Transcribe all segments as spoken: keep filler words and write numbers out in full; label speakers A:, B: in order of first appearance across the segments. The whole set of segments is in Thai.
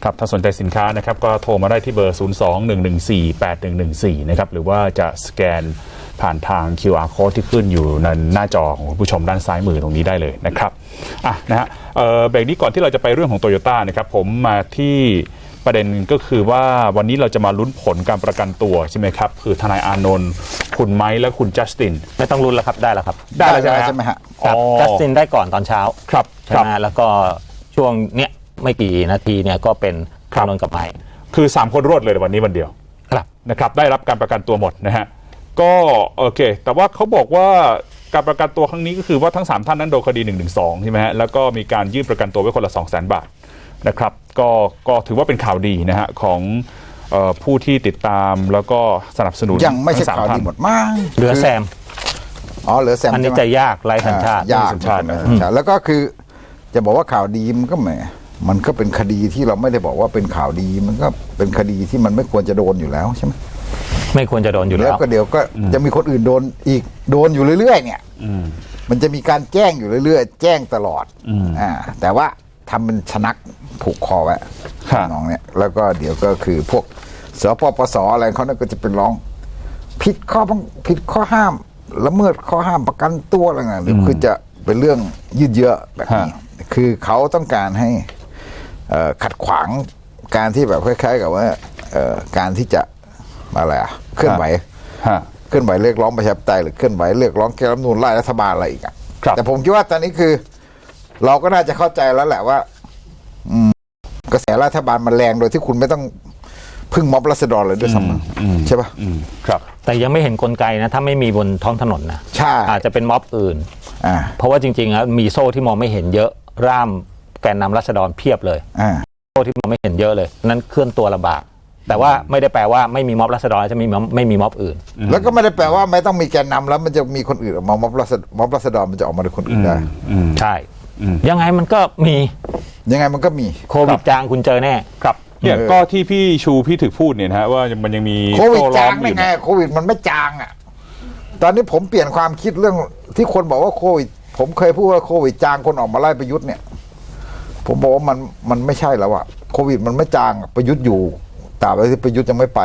A: ครับถ้าสนใจสินค้านะครับก็โทรมาได้ที่เบอร์ ศูนย์ สอง หนึ่ง หนึ่ง สี่ แปด หนึ่ง หนึ่ง สี่ นะครับหรือว่าจะสแกนผ่านทาง คิว อาร์ Code ที่ขึ้นอยู่ในหน้าจอของผู้ชมด้านซ้ายมือตรงนี้ได้เลยนะครับอ่ะนะฮะเอ่อเบรกนี้ก่อนที่เราจะไปเรื่องของ Toyota นะครับผมมาที่ประเด็นก็คือว่าวันนี้เราจะมาลุ้นผลการประกันตัวใช่ไหมครับคือทนายอานนท์คุณไมค์และคุณจัสติน
B: ไม่ต้องลุ้นแล้วครับได้แล้วครับ
A: ได้แล้วใช่ไหมฮะ
B: ครับจัสตินได้ก่อนตอนเช้า
A: ครับ
B: ใช่ไหมแล้วก็ช่วงเนี้ยไม่กี่นาทีเนี่ยก็เป็นอานนท์กับไมค์
A: คือสามคนรวดเลยวันนี้วันเดียว
B: ครับ
A: นะครับได้รับการประกันตัวหมดนะฮะก็โอเคแต่ว่าเขาบอกว่าการประกันตัวครั้งนี้ก็คือว่าทั้งสามท่านนั้นโดนคดีหนึ่งหนึ่งสองใช่ไหมฮะแล้วก็มีการยื่นประกันตัวไว้คนละ สองแสน บาทนะครับก็ก็ถือว่าเป็นข่าวดีนะฮะของเอ่อผู้ที่ติดตามแล้วก็สนับสนุน
C: ยังไม่ใช่ข่าวดีหมดมาก
B: เหลือแซม
C: อ๋อเหลือแซม
B: อันนี้จะยากไร้สัญชาติ
C: ยากสัญชาติแล้วก็คือจะบอกว่าข่าวดีมันก็แหมมันก็เป็นคดีที่เราไม่ได้บอกว่าเป็นข่าวดีมันก็เป็นคดีที่มันไม่ควรจะโดนอยู่แล้วใช่ไหม
B: ไม่ควรจะโดนอยู่แล้ว
C: ก็เดี๋ยวก็จะมีคนอื่นโดนอีกโดนอยู่เรื่อยๆเนี่ยมันจะมีการแจ้งอยู่เรื่อยๆแจ้งตลอดอ่าแต่ว่าทำเป็นชนักผูกคอไว้น้องเนี่ยแล้วก็เดี๋ยวก็คือพวกสปปสอะไรเขาเนี่ยก็จะเป็นร้องผิดข้อผิดข้อห้ามละเมิดข้อห้ามประกันตัวอะไรเงี้ยหรือคือจะเป็นเรื่องยืดเยื้อแบบนี้คือเขาต้องการให้ขัดขวางการที่แบบคล้ายๆกับว่าการที่จะอะไรอะเคลื่อนไหวเคลื่อนไหวเรียกร้องประชาธิปไตยหรือเคลื่อนไหวเรียกร้องแก้รัฐธรรมนูญไล่รัฐบาลอะไรอีกอะแต่ผมคิดว่าตอนนี้คือเราก็น่าจะเข้าใจแล้วแหละว่ากระแสรัฐบาลมันแรงโดยที่คุณไม่ต้องพึ่งม็อบราษฎรเลยด้วยซ้ำใช่ป่ะ
B: ครับแต่ยังไม่เห็นกลไกนะถ้าไม่มีบนท้องถนนนะ
C: ใช่
B: อาจจะเป็นม็อบอื่นเพราะว่าจริงๆแล้วมีโซ่ที่มองไม่เห็นเยอะร่ามแกนนำราษฎรเพียบเลยโซ่ที่มองไม่เห็นเยอะเลยนั้นเคลื่อนตัวลำบากแต่ว่าไม่ได้แปลว่าไม่มีม็อบราษฎรจะไม่มีไม่มีม็อบอื่น
C: แล้วก็ไม่ได้แปลว่าไม่ต้องมีแกนนำแล้วมันจะมีคนอื่นออกมาม็อบราษฎรม็อบราษฎรมันจะออกมาเป็นคนอื่นได้
B: ใช่ยังไงมันก็มี
C: ยังไงมันก็มี
B: โควิดจางคุณเจอแน่
A: ครับเนี่ยก็ที่พี่ชูพี่ถึกพูดเนี่ยนะฮะว่ามันยังมี
C: โควิดจางไม่ไงโควิดมันไม่จางอ่ะตอนนี้ผมเปลี่ยนความคิดเรื่องที่คนบอกว่าโควิดผมเคยพูดว่าโควิดจางคนออกมาไล่ประยุทธ์เนี่ยผมบอกว่ามันมันไม่ใช่แล้วอะโควิดมันไม่จางประยุทธ์อยู่ตราบใดที่ประยุทธ์ยังไม่ไป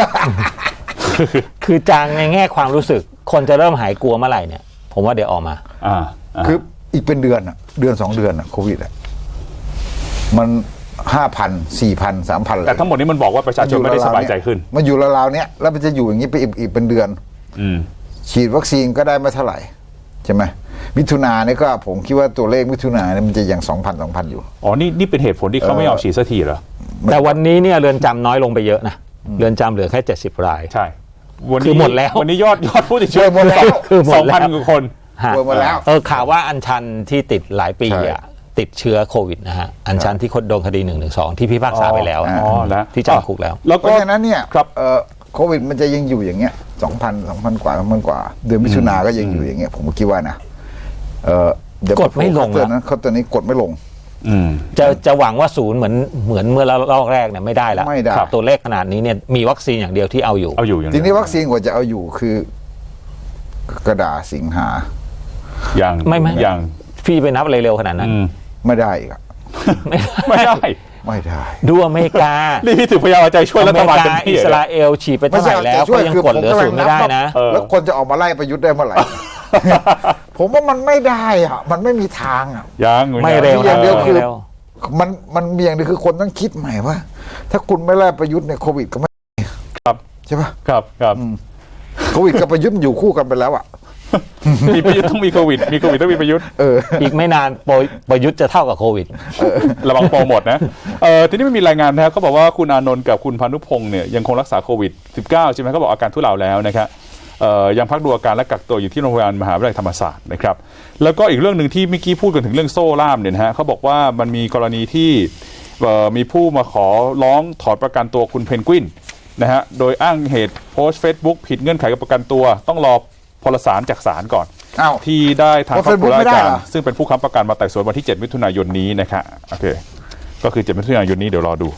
B: คือจางในแง่ความรู้สึกคนจะเริ่มหายกลัวเมื่อไหร่เนี่ยผมว่าเดี๋ยวออกมา
A: อ่า
C: คืออีกเป็นเดือนอะเดือนสองเดือนอะโควิดอะมันห้าพันสี่พันสามพัน
A: แต่ทั้งหมดนี้มันบอกว่าประชาชนไม่ได้สบายใจขึ้น
C: มันอยู่ราวๆเนี้ยแล้วมันจะอยู่อย่างนี้ไปอีกอีกเป็นเดือนฉีดวัคซีนก็ได้ไม่เท่าไหร่ใช่ไหมมิถุนาเนี่ยก็ผมคิดว่าตัวเลขมิถุนาเนี่ยมันจะยังสองพันสองพันอยู่
A: อ๋อนี่นี่เป็นเหตุผลที่เขาไม่เอาฉีดสักทีเหรอ
B: แต่วันนี้เนี่ยเรือนจำน้อยลงไปเยอะนะเรือนจำเหลือแค่เจ็ดสิบราย
A: ใช่
B: วันนี้หมดแล้ว
A: วันนี้ยอดยอดผู้ติดเชื้อหมดแล้วคือสองพันกว่าคน
C: หมดแล้ว
B: เออข่าวว่าอัญชันที่ติดหลายปีอ่ะติดเชื้อโควิดนะฮะอัญชันที่โดนคดีหนึ่งหนึ่งสองที่พิพากษาไปแล้ว
A: อ๋อแล้ว
B: ที่จำคุกแล้ว
C: แล้วก็เพราะฉะนั้นเนี่ยครับเอ่อโควิดมันจะยังอยู่อย่างเงี้ยสองพันสองพันกว่าสองพันกว่าเดือนมิถุนาก็ยังอยู่อย่างเงี้ยผมคิดว่านะเออก
B: ดไม่ลง
C: นะเขาตัวนี้กดไม่ลง
B: จะจะหวังว่าศูนย์เหมือนเหมือนเมื่อรอบแรกเนี่ยไม่ได้แล้ว
C: ไม่ได้
B: ตัวเลขขนาดนี้เนี่ยมีวัคซีนอย่างเดียวที่เอาอยู่
A: เอาอยู่
C: ทีนี้วัคซีนกว่าจะเอาอยู่คือกระดาษสิงหา
A: อย่าง
B: ไม่ไม่
A: อย่าง
B: พี่ไปนับเร็วๆขนาดนั้น
C: ไม่ได้อีก
A: ไม่ได้
C: ไม่ได้
B: ดูอเมริกา
A: นี่พี่ถึงพยายามใจช่วยรัฐบาล
B: อิสราเอลฉีดไปเท่าไหร่แล้วก็ยังกดเหลือศูนย์ไม่ได้นะ
C: แล้วคนจะออกมาไล่ประยุทธ์ได้เมื่อไหร่ผมว่ามันไม่ได้อ่ะมันไม่มีทางอ่ะ
A: ยัง
B: ไม่เร็ว
C: อย่างเดียวคือมันมันมีอย่างเดียวคือคนต้องคิดใหม่ว่าถ้าคุณไม่ไล่ประยุทธ์เนี่ยโควิดก็ไม่
A: ครับ
C: ใช่ป่ะ
A: ครับครับ
C: โควิดกับประยุทธ์อยู่คู่กันไปแล้วอ่ะ
A: มีประยุทธ์ต้องมีโควิดมีโควิดต้องมีประยุทธ์
C: เออ
B: อีกไม่นานประยุทธ์จะเท่ากับโควิด
A: ระวังโปรหมดนะเออทีนี้ไม่มีรายงานนะครับเขาบอกว่าคุณอานนท์กับคุณพานุพงศ์เนี่ยยังคงรักษาโควิดสิบเก้าใช่ไหมเขาบอกอาการทุเลาแล้วนะครับยังพักดูอาการและกักตัวอยู่ที่โรงพยาบาลมหาวิทยาลัยธรรมศาสตร์นะครับแล้วก็อีกเรื่องหนึ่งที่เมื่อกี้พูดกันถึงเรื่องโซ่ล่ามเนี่ยนะฮะเขาบอกว่ามันมีกรณีที่มีผู้มาขอร้องถอนประกันตัวคุณเพนกวินนะฮะโดยอ้างเหตุโพสต์ Facebook ผิดเงื่อนไขการประกันตัวต้องรอพลสารจากศาลก่อนที่ได้ทางครอบครัวราชการซึ่งเป็นผู้ค้ำประกันมาไต่สวนวันที่เจ็ดมิถุนายนนี้นะครับโอเคก็คือเจ็ดมิถุนายนนี้เดี๋ยวรอดู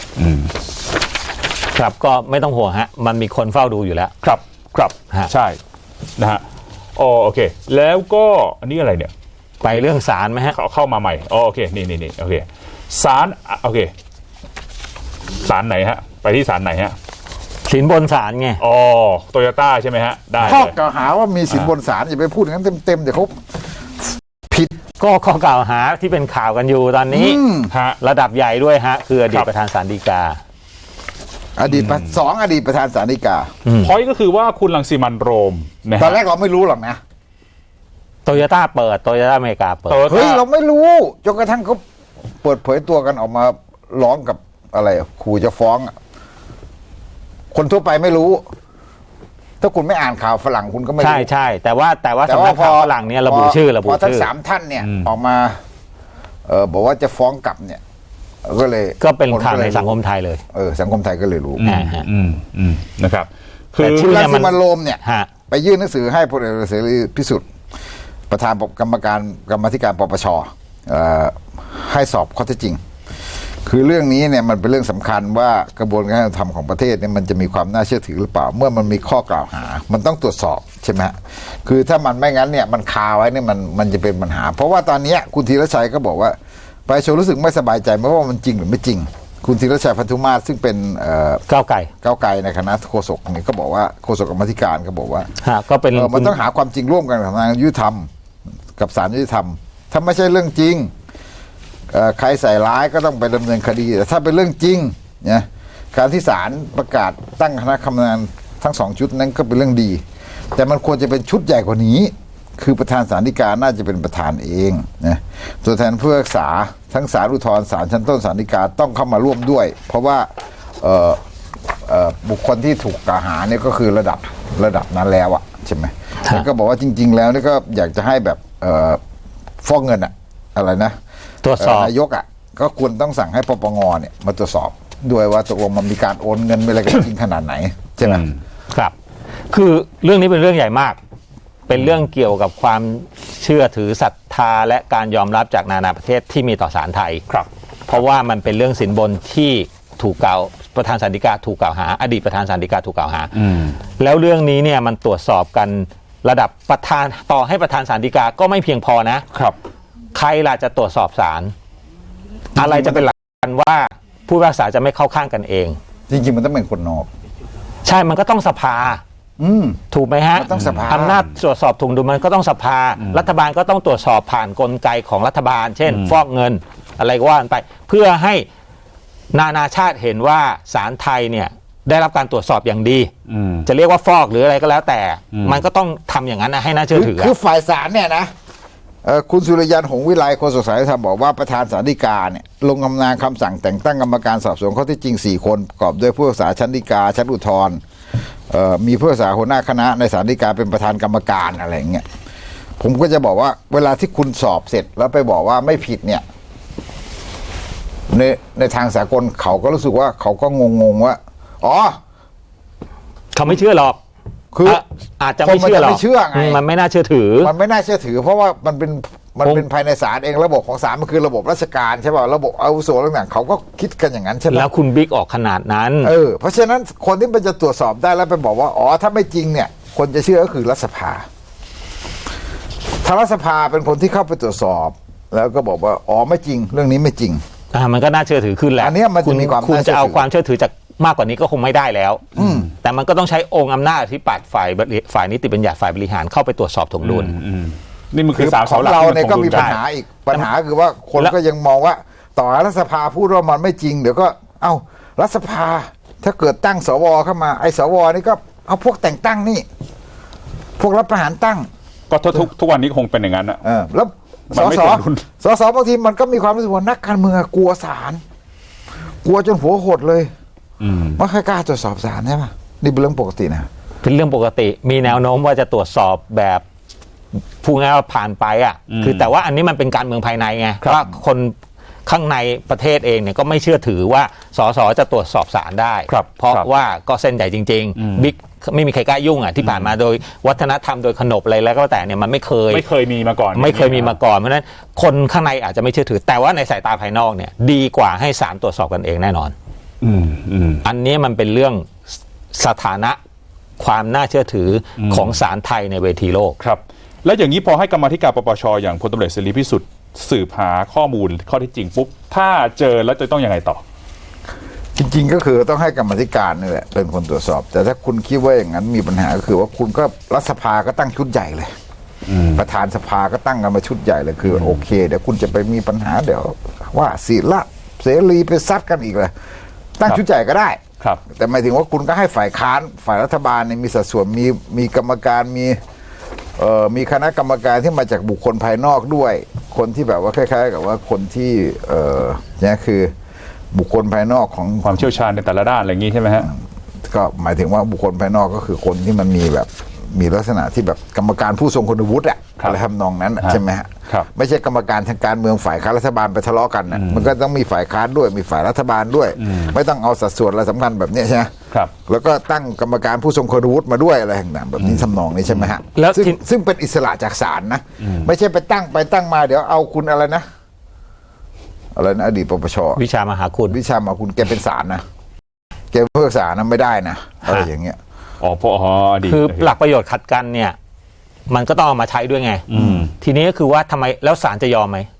B: ครับก็ไม่ต้องห่วงฮะมันมีคนเฝ้าดูอยู่แล้ว
A: ครับครับใช่นะฮะอ๋อโอเคแล้วก็อันนี้อะไรเนี่ย
B: ไปเรื่องศาลไหมฮะ
A: เขาเข้ามาใหม่อ๋อโอเคนี่นี่นี่โอเคศาลโอเคศาลไหนฮะไปที่ศาลไหนฮะ
B: สินบนศาลไง
A: อ๋อโตโยต้าใช่ไหมฮะได้
C: ข้อ
A: เลย
C: กล่าวหาว่ามีสินบนศาลอย่าไปพูดอย่างนั้นเต็มๆเดี๋ยวเขาผิด
B: ก็ข้อกล่าวหาที่เป็นข่าวกันอยู่ตอนนี้
C: อืม
A: ฮะ
B: ระดับใหญ่ด้วยฮะ คืออดี
A: ค
B: ต
A: รับ
B: ประธานศาลฎีกา
C: อดีตประสองอดีตประธานศาลฎีกา
A: พอยก็คือว่าคุณรังสิมันต์โรมนะ
C: ตอน
A: ฮะ
C: แรกเราไม่รู้หรอกนะ
B: โตโยต้าเปิดโตโยต้าอเมริกาเปิด
A: โตโย
C: เฮ้ย
A: ต้า
C: เราไม่รู้จนกระทั่งเขาเปิดเผยตัวกันออกมาร้องกับอะไรอะขู่จะฟ้องอะคนทั่วไปไม่รู้ ถ้าคุณไม่อ่านข่าวฝรั่งคุณก็ไม่รู้
B: ใช่ใช่แต่ว่าแต่ว่า
C: แต่
B: สำ
C: ว่า
B: นักข่าวฝรั่งเนี่ยระบุ
C: พ
B: ชื่อระบุ
C: พอทั้ง
B: ชื่อ
C: สามท่านเนี่ย ออกมา เออบอกว่าจะฟ้องกลับเนี่ย ก็เลย
B: ก็เป็นข่าว
C: ค
B: ใน
C: เลย
B: สังคมไทยเลย
C: เออสังคมไทยก็เลยรู้
B: อ่าฮะ
A: อืมอืมนะครับ คือ
B: แต่ชื่
C: คุณ
B: อ
C: รังสิมันต์โรมเนี่ย
B: ฮะ
C: ไปยื่นหนังสือให้พลเอกเสรีพิสุทธิ์ประธานกรรมการกรรมาธิการปปชเอ่อให้สอบข้อเท็จจริง คือเรื่องนี้เนี่ยมันเป็นเรื่องสำคัญว่ากระบวนการยุติธรรมของประเทศเนี่ยมันจะมีความน่าเชื่อถือหรือเปล่า เมื่อมันมีข้อกล่าวหา มันต้องตรวจสอบใช่ไหมฮะคือถ้ามันไม่งั้นเนี่ยมันคาไว้เนี่ยมันมันจะเป็นปัญหา เพราะว่าตอนนี้คุณธีรชัยก็บอกว่าประชาชนรู้สึกไม่สบายใจไม่ว่ามันจริงหรือไม่จริง คุณธีรชัยพันธุมาศซึ่งเป็นเอ่อ
B: ก้าวไก่
C: ก้าวไกลในคณะโฆษกเนี่ยก็บอกว่าโฆษกกรรมาธิการก็บอกว่า
B: ฮะก็เป็น
C: เออมันต้องหาความจริงร่วมกันกับทางยุติธรรมกับศาลยุติธรรม ถ้าไม่ใช่เรื่องจริงเอ่อใครใส่ร้ายก็ต้องไปดำเนินคดีแต่ถ้าเป็นเรื่องจริงเนี่ยการที่ศาลประกาศตั้งคณะทำงานทั้งสองชุดนั้นก็เป็นเรื่องดี แต่มันควรจะเป็นชุดใหญ่กว่านี้ คือประธานศาลฎีกาน่าจะเป็นประธานเองนะตัวแทนผู้พิพากษาทั้งศาลอุทธรณ์ศาลชั้นต้นศาลฎีกาต้องเข้ามาร่วมด้วย เพราะว่าเอ่อเอ่อบุคคลที่ถูกกล่าวหาเนี่ยก็คือระดับระดับนั้นแล้วอะใช่ไหมแล้วก็บอกว่าจริง ๆ แล้วนี่ก็อยากจะให้แบบเอ่อฟอกเงินอะอะไรนะ
B: ตรวจสอบ
C: เนายกอะก็ควรต้องสั่งให้ปปงเนี่ยมาตรวจสอบด้วยว่าตกลงมันมีการโอนเงินไปอะไรกันจริงขนาดไหนใช่ไหม
B: ครับ คือเรื่องนี้เป็นเรื่องใหญ่มาก เป็นเรื่องเกี่ยวกับความเชื่อถือศรัทธาและการยอมรับจากนานาประเทศที่มีต่อศาลไทย
A: ครับ
B: เพราะว่ามันเป็นเรื่องสินบนที่ถูกกล่าวประธานศาลฎีกาถูกกล่าวหา อดีตประธานศาลฎีกาถูกกล่าวหา แล้วเรื่องนี้เนี่ยมันตรวจสอบกันระดับประธานต่อให้ประธานศาลฎีกาก็ไม่เพียงพอนะ
A: ครับ
B: ใครล่ะจะตรวจสอบศาลอะไรจะเป็นหลักการว่าผู้พิพากษาจะไม่เข้าข้างกันเอง
C: จริงๆมันต้องเป็นคนนอก
B: ใช่มันก็ต้องสภา
C: อืม
B: ถูกไหมฮะ
C: มันต้องสภา
B: อำนาจตรวจสอบถุงดุลมันก็ต้องสภา รัฐบาลก็ต้องตรวจสอบผ่านกลไกของรัฐบาล เช่น ฟอกเงินอะไรก็ว่ากันไป เพื่อให้นานาชาติเห็นว่าศาลไทยเนี่ยได้รับการตรวจสอบอย่างดี
A: อืม
B: จะเรียกว่าฟอกหรืออะไรก็แล้วแต่ มันก็ต้องทำอย่างนั้นนะให้น่าเชื่อถือ
C: คือฝ่ายศาลเนี่ยนะเอ่อคุณสุริยันหงส์วิไลโฆษกศาลยุติธรรมบอกว่าประธานศาลฎีกาเนี่ยลงอำนาจคำสั่งแต่งตั้งกรรมการสอบสวนข้อเท็จจริงสี่คนประกอบด้วยผู้พิพากษาชั้นฎีกาชั้นอุทธรณ์เอ่อมีผู้พิพากษาหัวหน้าคณะในศาลฎีกาเป็นประธานกรรมการอะไรอย่างเงี้ยผมก็จะบอกว่าเวลาที่คุณสอบเสร็จแล้วไปบอกว่าไม่ผิดเนี่ยในในทางสากลเขาก็รู้สึกว่าเขาก็งงๆว่าอ๋อ
B: เขาไม่เชื่อหรอก
C: คือ
B: อ่ะอาจจะไม่เชื่อหรอก
C: คนมันจะไม่เชื่อไง
B: มมันไม่น่าเชื่อถือ
C: มันไม่น่าเชื่อถือ เพราะว่ามันเป็นมัน
B: ผม
C: เป็นภายในศาลเองระบบของศาลมันคือระบบราชการใช่ป่ะระบบอาวุโสต่างๆเขาก็คิดกันอย่างนั้นใช่ไหม
B: แล้วคุณบิ๊กออกขนาดนั้น
C: เออเพราะฉะนั้นคนที่มันจะตรวจสอบได้แล้วไปบอกว่าอ๋อถ้าไม่จริงเนี่ย คนจะเชื่อก็คือรัฐสภาถ้ารัฐสภาเป็นคนที่เข้าไปตรวจสอบ แล้วก็บอกว่าอ๋อไม่จริง เรื่องนี้ไม่จริง
B: อ่ามันก็น่าเชื่อถือขึ้นแหละ
C: อันเนี้ยมันจะมีความ
B: คุณ
C: น่าเชื่
B: จะ
C: อถือ
B: เอาความเชื่อถือจากมากกว่านี้ก็คงไม่ได้แล้วแต่มันก็ต้องใช้องค์อำนาจที่ปัดฝ่ายบริฝ่ายนิติบัญญัติฝ่ายบริหารเข้าไปตรวจสอบถวงดุล
A: อืมนี่มัน
C: คื
A: คือ
C: อ
A: สาม
C: ขอ
A: เสาง หลัก
C: เรา
A: ที่
C: เนี่ย
A: ค
C: ก็
A: ง
C: มี
A: ดุล
C: ปัญหาอีกปัญหาคือว่าคน
B: แล้ว
C: ก็ยังมองว่า ต่อให้รัฐสภาพูดว่ามันไม่จริงเดี๋ยวก็เอ้ารัฐสภาถ้าเกิดตั้งสวเข้ามาไอ้สวนี่ก็เอาพวกแต่งตั้งนี่ พวกรับประหารตั้ง
A: ก็ทุกทุกทุกวันนี้คงเป็นอย่างนั้นอะ
C: เออแล้ว
A: มั
C: ส
A: นไม่
C: ส
A: สมดุล
C: สสบางทีมันก็มีความรู้สึกว่านักการเมืองกลัวศาลกลัวจนหัวหดเลยไม่ค่อยกล้าตรวจสอบศาลใช่ปะนี่เป็นเรื่องปกตินะ
B: เป็นเรื่องปกติมีแนวโน้มว่าจะตรวจสอบแบบพูดง่ายๆว่าผ่านไปอ่ะคือแต่ว่าอันนี้มันเป็นการเมืองภายในไงว่าคนข้างในประเทศเองเนี่ยก็ไม่เชื่อถือว่าสสจะตรวจสอบศาลได้
A: ครับ
B: เพราะ
A: ครับ
B: ว่าก็เส้นใหญ่จริงๆบิ๊กไม่มีใครกล้ายุ่งอ่ะที่ผ่านมาโดยวัฒนธรรมโดยขนบอะไรแล้วก็แต่เนี่ยมันไม่เคย
A: ไม่เคยมีมาก่อน
B: ไม่เคยมีมาก่อนเพราะฉะนั้นคนข้างในอาจจะไม่เชื่อถือ แต่ว่าในสายตาภายนอกเนี่ยดีกว่าให้ศาลตรวจสอบกันเองแน่นอน
A: อืมอืม
B: อันนี้มันเป็นเรื่องสถานะความน่าเชื่อถือของศาลไทยในเวทีโลก
A: ครับ แล้วอย่างนี้พอให้กรรมาธิการปปชอย่างพลตำรวจเสรีพิสุทธิ์สืบหาข้อมูลข้อเท็จจริงปุ๊บถ้าเจอแล้วจะต้องยังไงต่อ
C: จจริงๆก็คือต้องให้กรรมาธิการนี่แหละเป็นคนตรวจสอบ แต่ถ้าคุณคิดว่าอย่างนั้นมีปัญหาก็คือว่าคุณก็รัฐสภาก็ตั้งชุดใหญ่เลยประธานสภาก็ตั้งกันมาชุดใหญ่เลยคือโอเคเดี๋ยวคุณจะไปมีปัญหาเดี๋ยวว่าศิละเสรีไปซัดกันอีกเลยตั้งชุดใหญ่ก็ได้
A: ครับ
C: แต่หมายถึงว่าคุณก็ให้ฝ่ายค้านฝ่ายรัฐบาลเนี่ยมีสัดส่วนมีมีกรรมการมีเอ่อมีคณะกรรมการที่มาจากบุคคลภายนอกด้วยคนที่แบบว่าคล้ายๆกับว่าคนที่เอ่อเนี่ยคือบุคคลภายนอกของ
A: ความเชี่ยวชาญในแต่ละด้านอะไรอย่างนี้ใช่ไหมฮะ
C: ก็หมายถึงว่าบุคคลภายนอกก็คือคนที่มันมีแบบมีลักษณะที่แบบกรรมการผู้ทรงคุณวุฒิอะ
A: ครับ
C: อะไรทำนองนั้นอะ
A: ฮะ
C: ใช่ไหมฮะ
A: ครับ
C: ไม่ใช่กรรมการทางการเมืองฝ่ายค้านรัฐบาลไปทะเลาะกันนะมันก็ต้องมีฝ่ายค้านด้วยมีฝ่ายรัฐบาลด้วย ไม่ต้องเอาสัดส่วนอะไรสำคัญแบบเนี้ยใช่ไหม
A: ครับ
C: แล้วก็ตั้งกรรมการผู้ทรงคุณวุฒิมาด้วยอะไรต่างๆแบบนี้ทำนองนี้ใช่ไหมฮะ
B: แล้ว
C: ซึ่ง
B: ที่
C: ซึ่งเป็นอิสระจากศาลนะไม่ใช่ไปตั้งไปตั้งมาเดี๋ยวเอาคุณอะไรนะอะไรนะอดีตปปช
B: วิชามหาคุณ
C: วิชามาคุณแกเป็นศาลนะแกเพิกษานะไม่ได้นะอะไรอย่างเงี้ย
A: อ๋อพออ๋ออดีต
B: คือหลักประโยชน์ขัดกันเนี่ย มันก็ต้องเอามาใช้ด้วยไง
A: อืม
B: ทีนี้ก็คือว่าทำไมแล้วศาลจะยอมไหม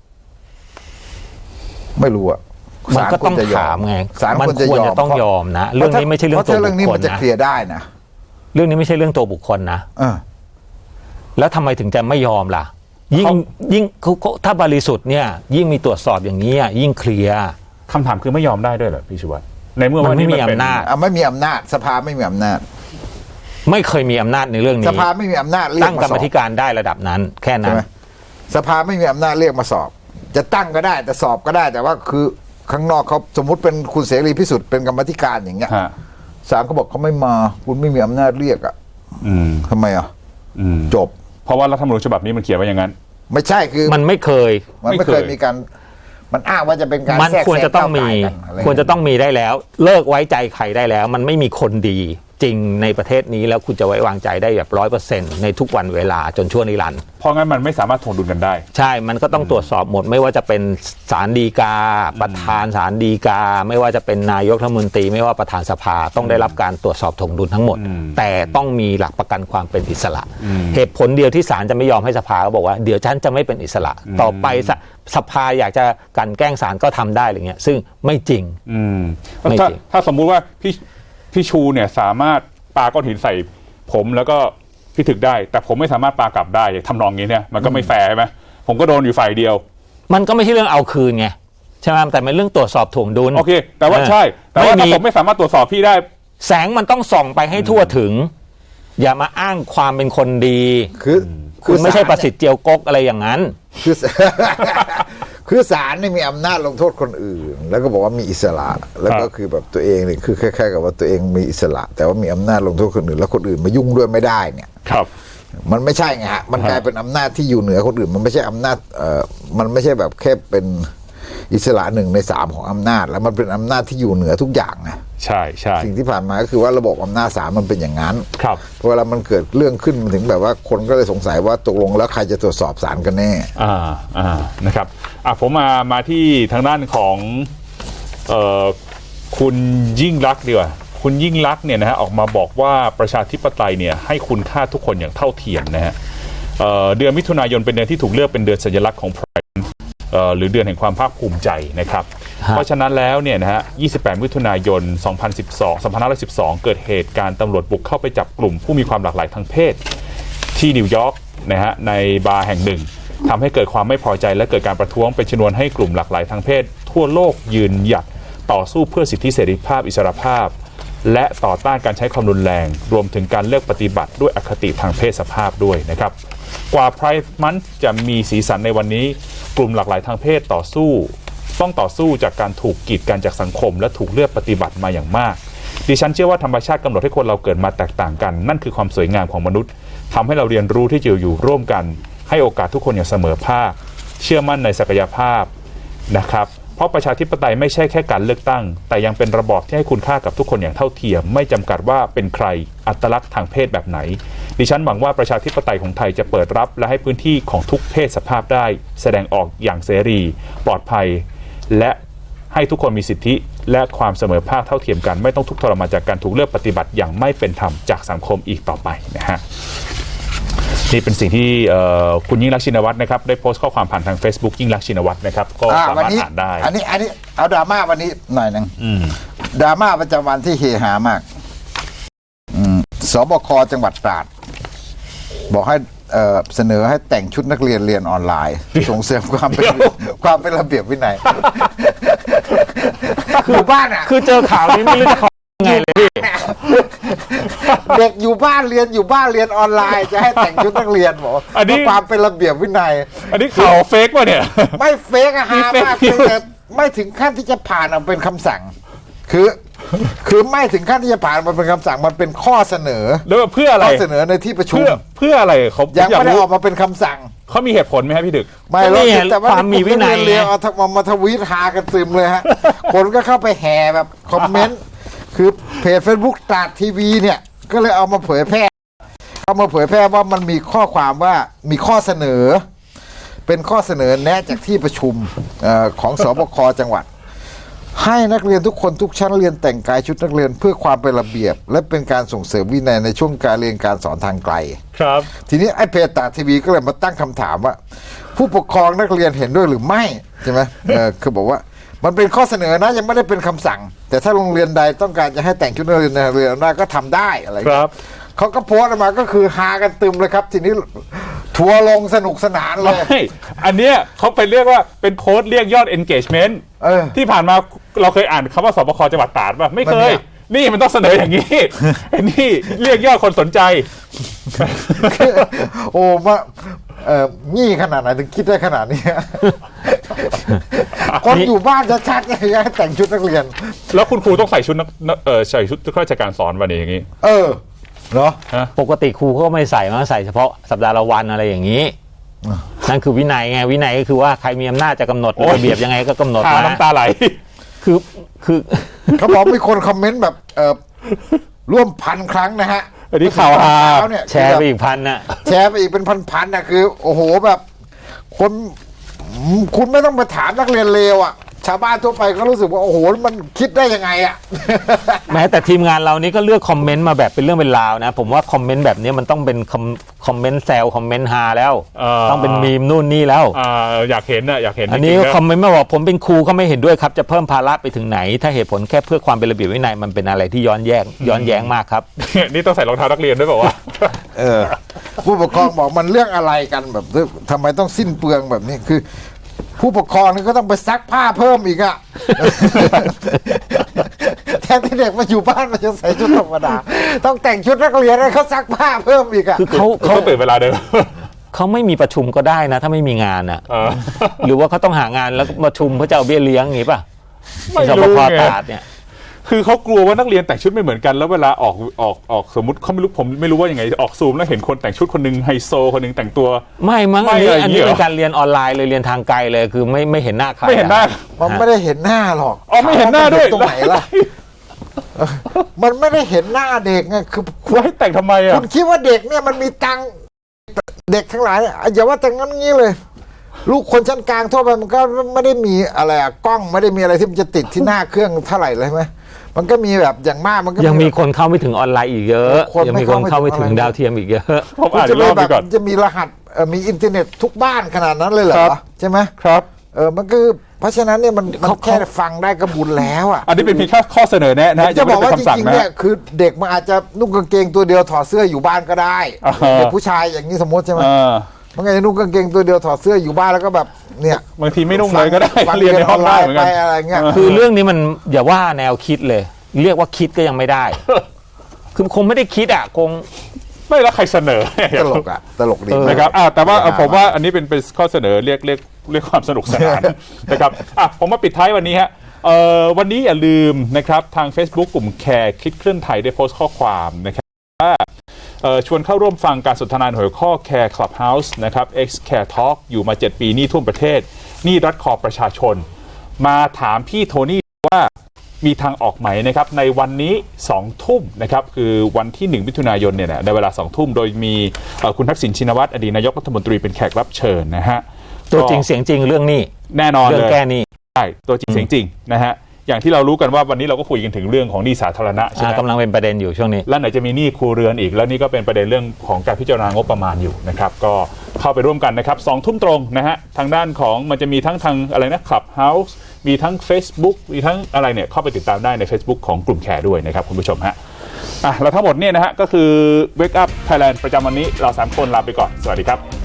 C: ไม่รู้อะ
B: มันก็ต้อง
C: ศลควรจะย
B: ถามไง
C: ศาล
B: มัน
C: ควรจะ
B: ควร
C: ยอม
B: จะต้องยอมนะเรื่องนี้ไม่ใช่เรื่อง
C: เพราะ
B: ตัว
C: ถ้าเรื่อง
B: บุ
C: นี้
B: คค
C: มั
B: ล
C: นจะ
B: นะ
C: เคลียร์ได้นะ
B: เรื่องนี้ไม่ใช่เรื่องตัวบุคคลนะ
C: เออ
B: แล้วทำไมถึงจะไม่ยอมล่ะ ยิ่ง
A: เขา
B: ยิ่งเขาเขาถ้าบริสุทธิ์เนี่ย ยิ่งมีตรวจสอบอย่างนี้อะยิ่งเคลียร์
A: คำถามคือไม่ยอมได้ด้วยเหรอพี่ชูวัฒน์ในเมื่อ
B: มัน
A: ว่า
B: ไม่
A: นี่
B: มี
A: มันเป็น
B: อำนาจ
C: อ่ะไม่มีอำนาจสภาไม่มีอำนาจ
B: ไม่เคยมีอำนาจในเรื่อง
C: ส
B: นี้
C: ภาไม่มีอำนาจเรีย
B: ตั้
C: ก
B: ง
C: มาก
B: ร
C: ส
B: ร
C: อ
B: ม
C: บ
B: ธิการได้ระดับนั้น แค่
C: ใช่
B: นั้น
C: ไหมสภาไม่มีอำนาจเรียกมาสอบ จะตั้งก็ได้แต่สอบก็ได้ แต่ว่าคือข้างนอกเขาสมมุติเป็นคุณเสรีพิสุทธิ์เป็นกรรมาธิการอย่างเงี้ย
A: ฮะ
C: ศาลเขาบอกเขาไม่มาคุณไม่มีอำนาจเรียกอ่ะ
A: อืม
C: ทำไมอ่ะ
A: อืม
C: จบ
A: เพราะว่ารัฐธรรมนูญฉบับนี้มันเขียนไว้อย่างนั้น
C: ไม่ใช่คือ
B: มันไม่เคย
C: มันไม่เคยมีการมันอ้างว่าจะเป็นการ
B: มัน
C: แทรก
B: ควร
C: แซ
B: จะต้องมี
C: ก้าวไก่กันไร
B: ควรจะต้องมีได้แล้ว เลิกไว้ใจใครได้แล้ว มันไม่มีคนดีจริงในประเทศนี้แล้วคุณจะไว้วางใจได้แบบร้อยเปอร์เซ็นต์ในทุกวันเวลาจนชั่วนิรันดร์
A: เพราะงั้นมันไม่สามารถถ่วงดุลกันได้
B: ใช่ มันก็ต้องตรวจสอบหมด ไม่ว่าจะเป็นศาลฎีกา ประธานศาลฎีกา ไม่ว่าจะเป็นนายกรัฐมนตรี ไม่ว่าประธานสภาต้องได้รับการตรวจสอบถ่วงดุลทั้งหมด แต่ต้องมีหลักประกันความเป็นอิสระ เหตุผลเดียวที่ศาลจะไม่ยอมให้สภาก็บอกว่าเดี๋ยวฉันจะไม่เป็นอิสระ ต่อไปสสภาอยากจะกลั่นแกล้งศาลก็ทำได้อะไรเงี้ยซึ่งไม่จริง
A: อืม
B: ไม่
A: ถ้า
B: จริง
A: ถ้าสมมุติว่าพี่พี่ชูเนี่ยสามารถปาก้อนหินใส่ผมแล้วก็พี่ถึกได้ แต่ผมไม่สามารถปากลับได้ทำนองนี้เนี่ยมันก็ไม่แฟร์ใช่ไหมผมก็โดนอยู่ฝ่ายเดียว
B: มันก็ไม่ใช่เรื่องเอาคืนไงใช่ไหมแต่เป็นเรื่องตรวจสอบถ่วงดุล
A: โอเค แต่ว่า
B: เออ
A: ใช่ แต่ว่า
B: ไม่
A: ถ้า
B: มี
A: ผมไม่สามารถตรวจสอบพี่ได้
B: แสงมันต้องส่องไปให้ทั่วถึง อย่ามาอ้างความเป็นคนดี
C: คือ
B: คุณไม่ใช่
C: ศาล
B: ประสิทธิ์เจียวกกอะไรอย่างนั้น
C: คือ คือศาลเนี่ยมีอำนาจลงโทษคนอื่น แล้วก็บอกว่ามีอิสระ แล้วก็
A: ครับ
C: คือแบบตัวเองเนี่ยคือคล้ายๆกับว่าตัวเองมีอิสระ แต่ว่ามีอำนาจลงโทษคนอื่น แล้วคนอื่นมายุ่งด้วยไม่ได้เนี่ย
A: ครับ
C: มันไม่ใช่ไงฮะมันกลายเป็นอำนาจที่อยู่เหนือคนอื่น มันไม่ใช่อำนาจเอ่อมันไม่ใช่แบบแค่เป็นอิสระหนึ่งในสามของอำนาจ แล้วมันเป็นอำนาจที่อยู่เหนือทุกอย่างไง
A: ใช่ใช่
C: สิ่งที่ผ่านมาก็คือว่าระบบอำนาจศาลมันเป็นอย่างนั้น
A: ครับ
C: พอเวลามันเกิดเรื่องขึ้นมันถึงแบบว่าคนก็เลยสงสัยว่าตกลงแล้วใครจะตรวจสอบศาลกันแน่
A: อ่าอ่านะครับอ่ะผมมามาที่ทางด้านของเอ่อคุณยิ่งลักษณ์ดีกว่าคุณยิ่งลักษณ์เนี่ยนะฮะออกมาบอกว่าประชาธิปไตยเนี่ยให้คุณค่าทุกคนอย่างเท่าเทียมนะฮะเอ่อเดือนมิถุนายนเป็นเดือนที่ถูกเลือกเป็นเดือนสัญลักษณ์ของ Pride เอ่อหรือเดือนแห่งความภาคภูมิใจนะครับ
B: ฮะ
A: เพราะฉะนั้นแล้วเนี่ยนะฮะยี่สิบแปดมิถุนายนสองพันสิบสอง สองพันห้าร้อยสิบสองเกิดเหตุการณ์ตำรวจบุกเข้าไปจับกลุ่มผู้มีความหลากหลายทางเพศที่นิวยอร์กนะฮะในบาร์แห่งหนึ่งทำให้เกิดความไม่พอใจและเกิดการประท้วงเป็นชนวนให้กลุ่มหลากหลายทางเพศทั่วโลกยืนหยัดต่อสู้เพื่อสิทธิเสรีภาพอิสรภาพ และต่อต้านการใช้ความรุนแรงรวมถึงการเลือกปฏิบัติด้วยอคติทางเพศสภาพด้วยนะครับกว่า Pride Month จะมีสีสันในวันนี้กลุ่มหลากหลายทางเพศต่อสู้ต้องต่อสู้จากการถูกกีดกันจากสังคมและถูกเลือกปฏิบัติมาอย่างมากดิฉันเชื่อว่าธรรมชาติกำหนดให้คนเราเกิดมาแตกต่างกันนั่นคือความสวยงามของมนุษย์ทำให้เราเรียนรู้ที่จะอยู่ร่วมกันให้โอกาสทุกคนอย่างเสมอภาคเชื่อมั่นในศักยภาพนะครับเพราะประชาธิปไตยไม่ใช่แค่การเลือกตั้งแต่ยังเป็นระบอบที่ให้คุณค่ากับทุกคนอย่างเท่าเทียมไม่จำกัดว่าเป็นใครอัตลักษณ์ทางเพศแบบไหนดิฉันหวังว่าประชาธิปไตยของไทยจะเปิดรับและให้พื้นที่ของทุกเพศสภาพได้แสดงออกอย่างเสรีปลอดภัยและให้ทุกคนมีสิทธิและความเสมอภาคเท่าเทียมกันไม่ต้องทุกข์ทรมานจากการถูกเลือกปฏิบัติอย่างไม่เป็นธรรมจากสังคมอีกต่อไปนะฮะนี่เป็นสิ่งที่คุณยิ่งลักษณ์ชินวัตรนะครับได้โพสต์ข้อความผ่านทาง Facebook ยิ่งลักษณ์ชินวัตรนะครับก็สามารถอ่านได้
C: อันนี้อันนี้เอาดราม่าวันนี้หน่อยหนึงดราม่าประจำวันที่เฮฮามากอืมสบคจังหวัดตราดบอกให้เอ่อเสนอให้แต่งชุดนักเรียนเรียนออนไลน์ ส่งเสริมความเป็นความเป็นระเบียบวินัยอยู่บ้านอ่ะ
B: คือเจอข่าวนี้ไม่รู้จะขอยังไงเลยพี่
C: เด็กอยู่บ้านเรียนอยู่บ้านเรียนออนไลน์จะให้แต่งชุดนักเรียนบอก
A: อันนี้
C: เพื่อความเป็นระเบียบวินัย
A: อันนี้ข่าวเฟกป่ะเนี่ย
C: ไม่เฟกอะฮะ
A: มี fake
C: มากเพียงแต่ไม่ถึงขั้นที่จะผ่านออกเป็นคำสั่ง คือ คือไม่ถึงขั้นที่จะผ่านมันเป็นคำสั่งมันเป็นข้อเสนอ
A: แล้วเพื่ออะไร
C: ข้อเสนอในที่ประชุม
A: เพื่อเพื่ออะไรเขา
C: ยัง
A: อยาก
C: ไม่ได้
A: รู้
C: ออกมาเป็นคำสั่ง
A: เขามีเหตุผลไหมครับพี่ดึก
C: ไม่หรอก
B: นี่ไง
C: แต่ว่า
B: ความมีวินัย
C: เรียนเอาทำมาทวีตหากันตึมเลยฮะ คนก็เข้าไปแห่แบบคอมเมนต์ คือเพจ Facebook ตราดทีวีเนี่ย ก็เลยเอามาเผยแพร่เอามาเผยแพร่ว่ามันมีข้อความว่ามีข้อเสนอ เป็นข้อเสนอแนะจากที่ประชุมเอ่อของสบคจังหวัด ให้นักเรียนทุกคนทุกชั้นเรียนแต่งกายชุดนักเรียนเพื่อความเป็นระเบียบ และเป็นการส่งเสริมวินัยในช่วงการเรียนการสอนทางไกล
A: ครับ
C: ทีนี้ไอ้เพจตราดทีวีก็เลยมาตั้งคำถามว่า ผู้ปกครองนักเรียนเห็นด้วยหรือไม่ใช่ไหมเออคือบอกว่ามันเป็นข้อเสนอนะยังไม่ได้เป็นคำสั่ง แต่ถ้าโรงเรียนใดต้องการจะให้แต่งชุดนักเรียนในโรงเรียนได้ก็ทำได้อะไรอย่าง
A: ค
C: เงี้ย
A: รับ
C: เขาก็โพสต์ออกมาก็คือฮากันตึมเลยครับ ทีนี้ทัวร์ลงสนุกสนานเลย
A: ไม่ อันเนี้ยเขาไปเรียกว่าเป็นโพสต์เรียกยอด engagement
C: เออ
A: ที่ผ่านมาเราเคยอ่านคำว่าสบคจังหวัดตราดป่ะไม่เค
C: มัน
A: ย
C: เนี่ย
A: นี่มันต้องเสนออย่างนี้ ไอ้นี่เรียกยอดคนสนใจ
C: โอ้มาเอ่องี้ขนาดไหนถึงคิดได้ขนาดนี้ คนอยู่บ้านชัดๆเนี่ยให้แต่งชุดนักเรียน
A: แล้วคุณครูต้องใส่ชุดนักเออใส่ชุดข้าราชการสอนวันนี้อย่างนี้
C: เออเนาะ
B: ปกติครูเขาก็ไม่ใส่มาใส่เฉพาะสัปดาห์ละวันอะไรอย่างนี้ นั่นคือวินัยไงวินัยก็คือว่าใครมีอำนาจจะกำหนด
A: โอ้ย
B: ระเบียบยังไงก็กำหนด
A: หา
B: มา
A: น้ำตาไหล
B: คือคือ
C: เขาบอกมีคนคอมเมนต์แบบเออร่วมพันครั้งนะฮะ
A: อันนี้ข่าวฮา
C: เช้เนี่ย
B: แชร์ไปอีกพันน่ะ
C: แชร์ไปอีกเป็นพันๆนะคือ โอ้โหแบบ คนคุณไม่ต้องไปถามนักเรียนเลวอ่ะ ชาวบ้านทั่วไปก็รู้สึกว่าโอ้โหมันคิดได้ยังไงอ่ะ
B: แม้แต่ทีมงานเรานี่ก็เลือกคอมเมนต์มาแบบเป็นเรื่องเป็นราวนะ ผมว่าคอมเมนต์แบบนี้มันต้องเป็นคอมคอมเมนต์แซวคอมเมนต์ฮาแล้ว
A: เอ่อ
B: ต้องเป็นมีมนู่นนี่แล้ว
A: อ่าอยากเห็นน่ะอยากเห็น
B: อันนี้
A: จริงๆ
B: ก็
A: นะ
B: คอมเมนต์มาบอกผมเป็นครูก็ไม่เห็นด้วยครับจะเพิ่มภาระไปถึงไหน ถ้าเหตุผลแค่เพื่อความเป็นระเบียบวินัยมันเป็นอะไรที่ย้อนแย้งย้อนแย้งมากครับ
A: นี่ต้องใส่รองเท้านักเรียนด้วยเปล่าวะ
C: เออ ผู้ปกครองบอกมันเรื่องอะไรกันแบบทำไมต้องสิ้นเปลืองแบบนี้คือ ผู้ปกครองนี่ก็ต้องไปซักผ้าเพิ่มอีกอะ แทนที่เด็กมาอยู่บ้านมันจะใส่ชุดธรรมดา ต้องแต่งชุดนักเรียนให้เขาซักผ้าเพิ่มอีกอะ
B: คือเขา
A: เขา
B: เขา
A: ตื่นเวลาเดิม
B: เขาไม่มีประชุมก็ได้นะ ถ้าไม่มีงานอ่ะ
A: เออ
B: หรือว่าเขาต้องหางานแล้วก็ประชุมเพื่อจะเอาเบี้ยเลี้ยงอย่างนี้ป่ะ
A: ไม่
B: สบ
A: รู้
B: ค
A: ไง
B: ตราดเนี่ย
A: คือเขากลัวว่านักเรียนแต่งชุดไม่เหมือนกันแล้วเวลาออกออกออกสมมติเขาไม่รู้ผมไม่รู้ว่ายังไงออกซูมแล้วเห็นคนแต่งชุดคนหนึงไฮโซคนหนึงแต่งตัว
B: ไม่มั้ง
A: ไม่
B: อันนี้
A: อะไร
B: อันนี้
A: เหรอ
B: เป็นการเรียนออนไลน์เลยเรียนทางไกลเลยคือไม่ไม่เห็นหน้าใคร
A: ไม่เห็นหน้า
B: อะ
C: มันไม่ได้เห็นหน้าหรอก
A: อ๋อไม่เห็นหน้าด้วย
C: ตรงไหนล่ะ มันไม่ได้เห็นหน้าเด็กไงคือ
A: ว่าให้แต่งทำไมอ่ะ
C: คุณคิดว่าเด็กเนี่ยมันมีตังค์เด็กทั้งหลายเนี่ยอย่าว่าแต่งั้นงี้เลย ลูกคนชั้นกลางทั่วไปมันก็ไม่ได้มีอะไรอะกล้องไม่ได้มีอะไรที่มันจะติดที่หน้าเครื่องเท่าไหร่เลยใช่ไหมมันก็มีแบบอย่างมากมันก็
B: ยังมีคนเข้าไม่ถึงออนไลน์อีกเยอะ
C: คน
B: ยัง
C: ไม่
B: มีคนเข้าไม่ถึง
C: เข้าไม่ถึง
B: ดาวเทียมอีกเยอะ
A: ผม
C: คุณ
A: อ่าน
C: จะ
A: อีกร
C: มี
A: อบ
C: แบ
A: ไป
C: บ
A: ก่อน
C: จะมีรหัสเอ่อมีอินเทอร์เน็ตทุกบ้านขนาดนั้นเลยเหร
A: ครั
C: อบ ใช่ไหม
A: ครับ
C: เออมันคือเพราะฉะนั้นเนี่ยมันมันแค่ฟังได้ก็บุญแล้วอ่ะ
A: อันนี้เป็นเพียงแค่ข้อเสนอแนะนะ
C: จะบอกว่า
A: ยัง
C: จ
A: ไม่ได้เป็นคำสั่ง
C: ริงๆ
A: นะ
C: เนี่ยคือเด็กมันอาจจะนุ่งกางเกงตัวเดียวถอดเสื้ออยู่บ้านก็ได้
A: อ่าฮะ
C: เด็กผู้ชายอย่างนี้สมมติใช่ไหม
A: เออ
C: มันก็จะนุ่งกางเกงตัวเดียวถอดเสื้ออยู่บ้านแล้วก็แบบเนี่ย
A: บางทีไม่นุ่งเลยก็ได้
C: ฟัง
A: เรียนในห้องได้เหมือน
C: ไป
A: กัน
C: อะไรเงี้ย
B: คือเรื่องนี้มันอย่าว่าแนวคิดเลย เรียกว่าคิดก็ยังไม่ได้ คือคงไม่ได้คิดอ่ะคง
A: ไม่แล้วใครเสนอ
C: ตลกอ่ะตลกดี
A: นะครับอ่ะแต่ว่าเอ่อผมว่าอันนี้เป็นเป็นข้อเสนอเรียกเรียกเรียกความสนุกสนาน นะครับอ่ะผมมาปิดท้ายวันนี้ฮะเอ่อวันนี้อย่าลืมนะครับทาง Facebook กลุ่มแคร์คิดเคลื่อนไทยได้โพสต์ข้อความนะครับว่าเอ่อชวนเข้าร่วมฟังการสนทนาหัวข้อ Care Clubhouse นะครับ X Care Talk อยู่มาเจ็ดปีหนี้ท่วมประเทศหนี้รัดคอประชาชน มาถามพี่โทนี่ว่ามีทางออกไหมนะครับในวันนี้สองทุ่มนะครับคือวันที่หนึ่งมิถุนายนเนี่ยนะในเวลาสองทุ่มโดยมีเอ่อคุณทักษิณชินวัตรอดีตนายกรัฐมนตรีเป็นแขกรับเชิญนะฮะ
B: ตัวจริงเสียงจริงเรื่องนี้
A: แน่นอน
B: เรื่
A: เล
B: อง
A: ย
B: แก้หนี้
A: ใช่ตัวจริงเสียงจริงนะฮะอย่างที่เรารู้กันว่าวันนี้เราก็คุยกันถึงเรื่องของหนี้สาธารณะใช่ไหม
B: กำลังเป็นประเด็นอยู่ช่วงนี้
A: แล้วไหนจะมีหนี้ครัวเรือนอีกแล้วนี่ก็เป็นประเด็นเรื่องของการพิจารณางบประมาณอยู่นะครับก็เข้าไปร่วมกันนะครับสองทุ่มตรงนะฮะทางด้านของมันจะมีทั้งทางอะไรนะ Clubhouse มีทั้ง Facebook มีทั้งอะไรเนี่ยเข้าไปติดตามได้ใน Facebook ของกลุ่มแคร์ด้วยนะครับคุณผู้ชมฮะอ่ะแล้วทั้งหมดเนี่ยนะฮะก็คือ Wake Up Thailand ประจำวันนี้เราสามคนลาไปก่อนสวัสดีครับ